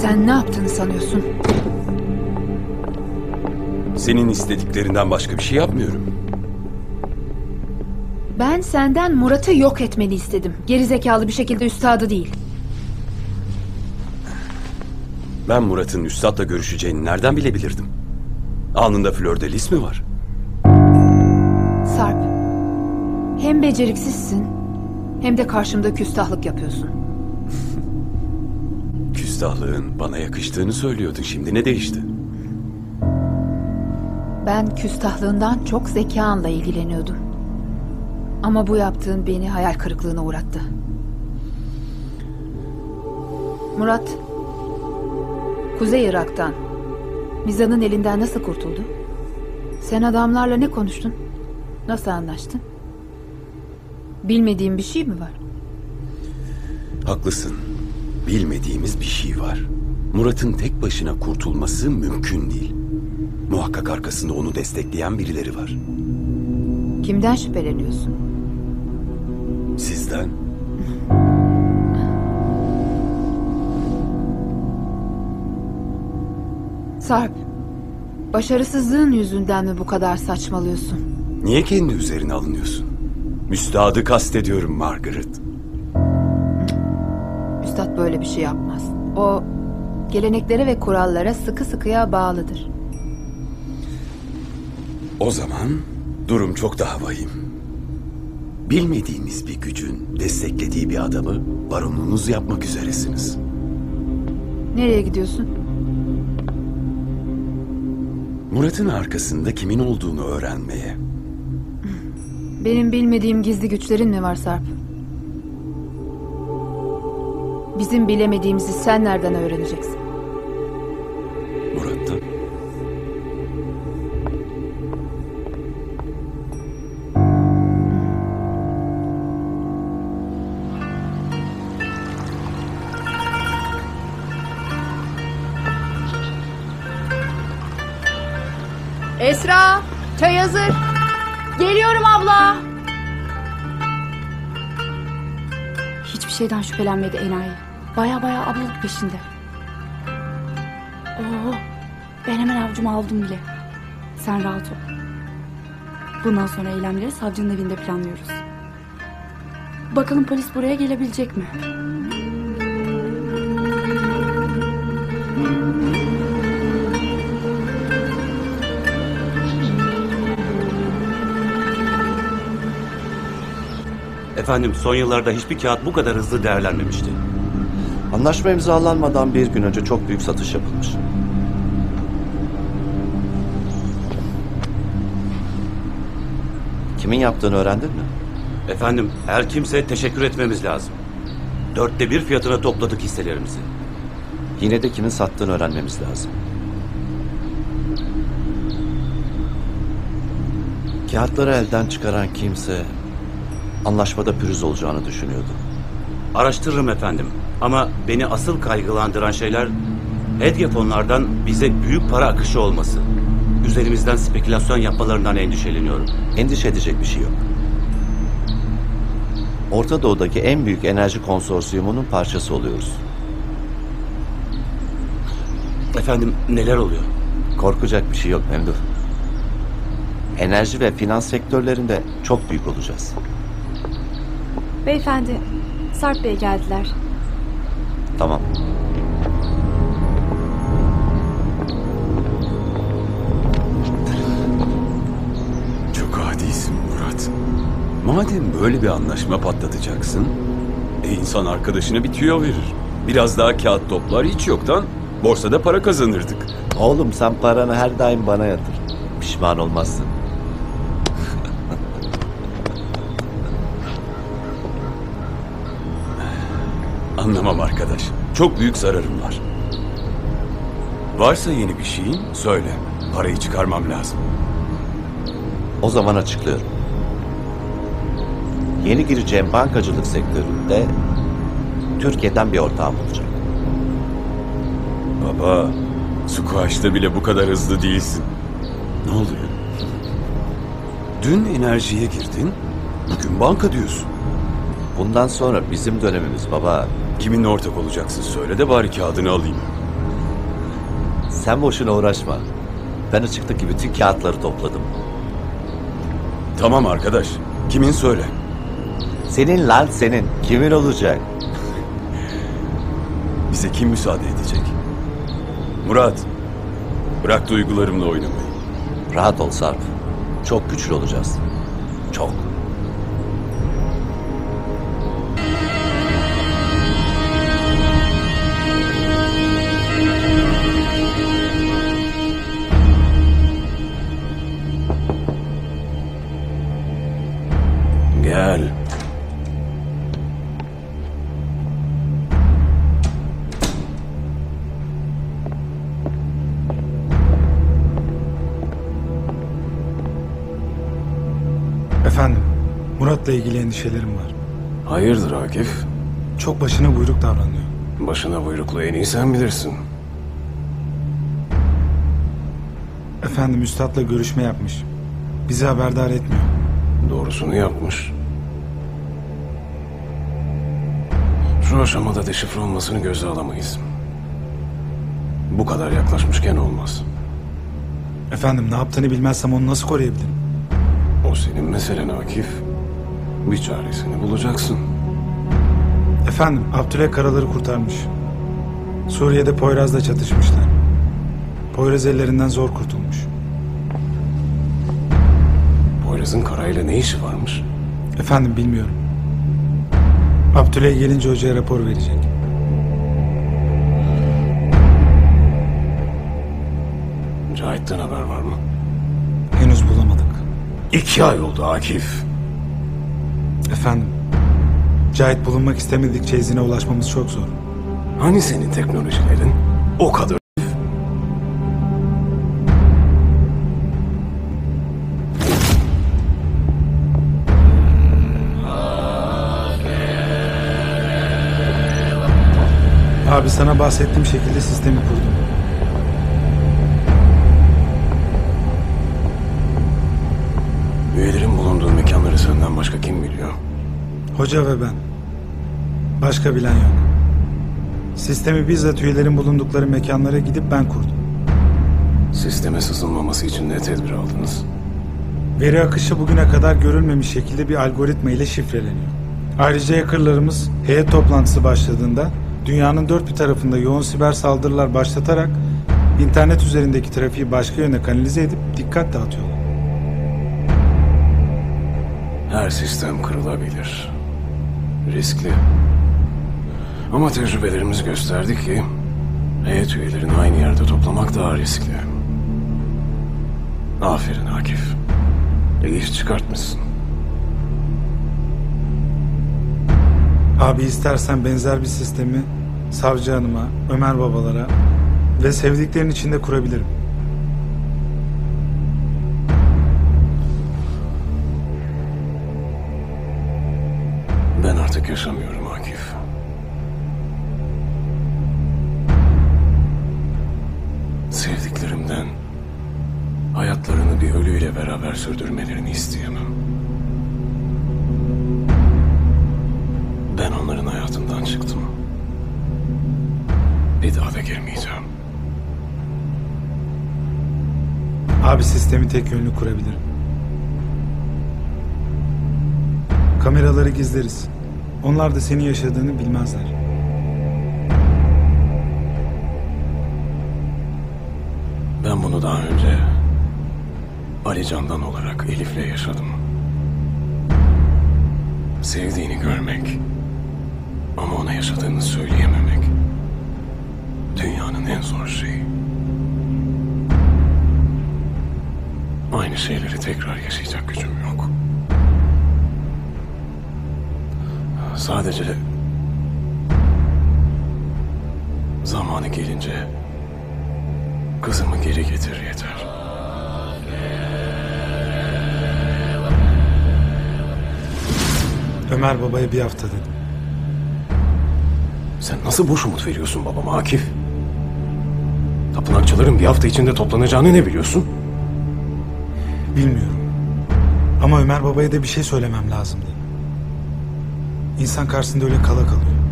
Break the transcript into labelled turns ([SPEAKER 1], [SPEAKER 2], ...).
[SPEAKER 1] Sen ne yaptığını sanıyorsun?
[SPEAKER 2] Senin istediklerinden başka bir şey yapmıyorum.
[SPEAKER 1] Ben senden Murat'ı yok etmeni istedim. Gerizekalı bir şekilde üstadı değil.
[SPEAKER 2] Ben Murat'ın üstadla görüşeceğini nereden bilebilirdim? Alnında flördelis mi var?
[SPEAKER 1] Sarp, hem beceriksizsin hem de karşımda küstahlık yapıyorsun.
[SPEAKER 2] Küstahlığın bana yakıştığını söylüyordun. Şimdi ne değişti?
[SPEAKER 1] Ben küstahlığından çok zekanla ilgileniyordum. Ama bu yaptığın beni hayal kırıklığına uğrattı. Murat, Kuzey Irak'tan, Mizan'ın elinden nasıl kurtuldu? Sen adamlarla ne konuştun? Nasıl anlaştın? Bilmediğin bir şey mi var?
[SPEAKER 2] Haklısın. Bilmediğimiz bir şey var. Murat'ın tek başına kurtulması mümkün değil. Muhakkak arkasında onu destekleyen birileri var.
[SPEAKER 1] Kimden şüpheleniyorsun?
[SPEAKER 2] Sizden.
[SPEAKER 1] Sarp, başarısızlığın yüzünden mi bu kadar saçmalıyorsun?
[SPEAKER 2] Niye kendi üzerine alınıyorsun? Müstahadı kastediyorum Margaret.
[SPEAKER 1] Üstad böyle bir şey yapmaz. O geleneklere ve kurallara sıkı sıkıya bağlıdır.
[SPEAKER 2] O zaman durum çok daha vahim. Bilmediğiniz bir gücün desteklediği bir adamı baronunuz yapmak üzeresiniz.
[SPEAKER 1] Nereye gidiyorsun?
[SPEAKER 2] Murat'ın arkasında kimin olduğunu öğrenmeye.
[SPEAKER 1] Benim bilmediğim gizli güçlerin mi var Sarp? Bizim bilemediğimizi sen nereden öğreneceksin?
[SPEAKER 2] Murat'tan.
[SPEAKER 1] Esra, çay hazır. Geliyorum abla.
[SPEAKER 3] Hiçbir şeyden şüphelenmedi enayi. Baya ablalık peşinde. Oo, ben hemen avcuma aldım bile. Sen rahat ol. Bundan sonra eylemleri savcının evinde planlıyoruz. Bakalım polis buraya gelebilecek mi?
[SPEAKER 4] Efendim, son yıllarda hiçbir kağıt bu kadar hızlı değerlenmemişti.
[SPEAKER 5] Anlaşma imzalanmadan bir gün önce çok büyük satış yapılmış. Kimin yaptığını öğrendin mi?
[SPEAKER 4] Efendim, her kimse teşekkür etmemiz lazım. 1/4 fiyatına topladık hisselerimizi.
[SPEAKER 5] Yine de kimin sattığını öğrenmemiz lazım. Kağıtları elden çıkaran kimse anlaşmada pürüz olacağını düşünüyordu.
[SPEAKER 4] Araştırırım efendim. Ama beni asıl kaygılandıran şeyler hedge fonlardan bize büyük para akışı olması. Üzerimizden spekülasyon yapmalarından endişeleniyorum.
[SPEAKER 5] Endişe edecek bir şey yok. Orta Doğu'daki en büyük enerji konsorsiyumunun parçası oluyoruz.
[SPEAKER 4] Efendim, neler oluyor?
[SPEAKER 5] Korkacak bir şey yok Memduh. Enerji ve finans sektörlerinde çok büyük olacağız.
[SPEAKER 3] Beyefendi, Sarp Bey geldiler.
[SPEAKER 5] Tamam.
[SPEAKER 2] Çok adisin Murat. Madem böyle bir anlaşma patlatacaksın, insan arkadaşına bir tüyo verir. Biraz daha kağıt toplar, hiç yoktan borsada para kazanırdık.
[SPEAKER 5] Oğlum sen paranı her daim bana yatır. Pişman olmazsın.
[SPEAKER 2] Anlamam arkadaş. Çok büyük zararım var. Varsa yeni bir şeyin söyle. Parayı çıkarmam lazım.
[SPEAKER 5] O zaman açıklıyorum. Yeni gireceğim bankacılık sektöründe Türkiye'den bir ortağım olacak.
[SPEAKER 2] Baba, squash'ta bile bu kadar hızlı değilsin. Ne oluyor? Dün enerjiye girdin, bugün banka diyorsun.
[SPEAKER 5] Bundan sonra bizim dönemimiz baba.
[SPEAKER 2] Kiminle ortak olacaksın söyle de bari kağıdını alayım.
[SPEAKER 5] Sen boşuna uğraşma. Ben açıktaki bütün kağıtları topladım.
[SPEAKER 2] Tamam arkadaş. Kimin söyle?
[SPEAKER 5] Senin lan senin. Kimin olacak?
[SPEAKER 2] Bize kim müsaade edecek? Murat, bırak duygularımla oynamayı.
[SPEAKER 5] Rahat ol Sarp. Çok güçlü olacağız. Çok.
[SPEAKER 2] Gel.
[SPEAKER 6] Efendim, Murat'la ilgili endişelerim var.
[SPEAKER 7] Hayırdır Akif?
[SPEAKER 6] Çok başına buyruk davranıyor.
[SPEAKER 7] Başına buyruklu en iyi sen bilirsin.
[SPEAKER 6] Efendim, üstadla görüşme yapmış. Bizi haberdar etmiyor.
[SPEAKER 7] Doğrusunu yapmış. Şu aşamada deşifre olmasını göze alamayız. Bu kadar yaklaşmışken olmaz.
[SPEAKER 6] Efendim, ne yaptığını bilmezsem onu nasıl koruyabilirim?
[SPEAKER 7] O senin meselen Akif. Bir çaresini bulacaksın.
[SPEAKER 6] Efendim, Abdülhak Karalar'ı kurtarmış. Suriye'de Poyraz'la çatışmışlar. Poyraz ellerinden zor kurtulmuş.
[SPEAKER 7] Poyraz'ın Kara'yla ne işi varmış?
[SPEAKER 6] Efendim, bilmiyorum. Abdülhak gelince hocaya rapor verecek.
[SPEAKER 7] Cahit'ten haber var mı?
[SPEAKER 6] Henüz bulamadık.
[SPEAKER 7] 2 ay oldu Akif.
[SPEAKER 6] Efendim, Cahit bulunmak istemedikçe izine ulaşmamız çok zor.
[SPEAKER 7] Hani senin teknolojilerin? O kadar.
[SPEAKER 6] Abi, sana bahsettiğim şekilde sistemi kurdum.
[SPEAKER 7] Üyelerin bulunduğu mekanları senden başka kim biliyor?
[SPEAKER 6] Hoca ve ben. Başka bilen yok. Sistemi bizzat üyelerin bulundukları mekanlara gidip ben kurdum.
[SPEAKER 7] Sisteme sızılmaması için ne tedbir aldınız?
[SPEAKER 6] Veri akışı bugüne kadar görülmemiş şekilde bir algoritma ile şifreleniyor. Ayrıca hackerlarımız heyet toplantısı başladığında dünyanın dört bir tarafında yoğun siber saldırılar başlatarak internet üzerindeki trafiği başka yöne kanalize edip dikkat dağıtıyorlar.
[SPEAKER 7] Her sistem kırılabilir. Riskli. Ama tecrübelerimiz gösterdi ki heyet üyelerini aynı yerde toplamak daha riskli. Aferin Akif. İyi iş çıkartmışsın.
[SPEAKER 6] Abi, istersen benzer bir sistemi savcı hanıma, Ömer babalara ve sevdiklerin içinde kurabilirim.
[SPEAKER 7] Ben artık yaşamıyorum Akif. Sevdiklerimden hayatlarını bir ölüyle beraber sürdürmelerini isteyemem. Ben onların hayatından çıktım. Bir daha da girmeyeceğim.
[SPEAKER 6] Abi, sistemi tek yönlü kurabilirim. Kameraları gizleriz. Onlar da senin yaşadığını bilmezler.
[SPEAKER 7] Ben bunu daha önce Ali Candan olarak Elif'le yaşadım. Sevdiğini görmek ama ona yaşadığını söyleyememek dünyanın en zor şeyi. Aynı şeyleri tekrar yaşayacak gücüm yok. Sadece zamanı gelince kızımı geri getir yeter.
[SPEAKER 6] Ömer babaya bir hafta dedim.
[SPEAKER 7] Sen nasıl boş umut veriyorsun babama Akif? Tapınakçıların bir hafta içinde toplanacağını ne biliyorsun?
[SPEAKER 6] Bilmiyorum. Ama Ömer babaya da bir şey söylemem lazımdı. İnsan karşısında öyle kala kalıyor.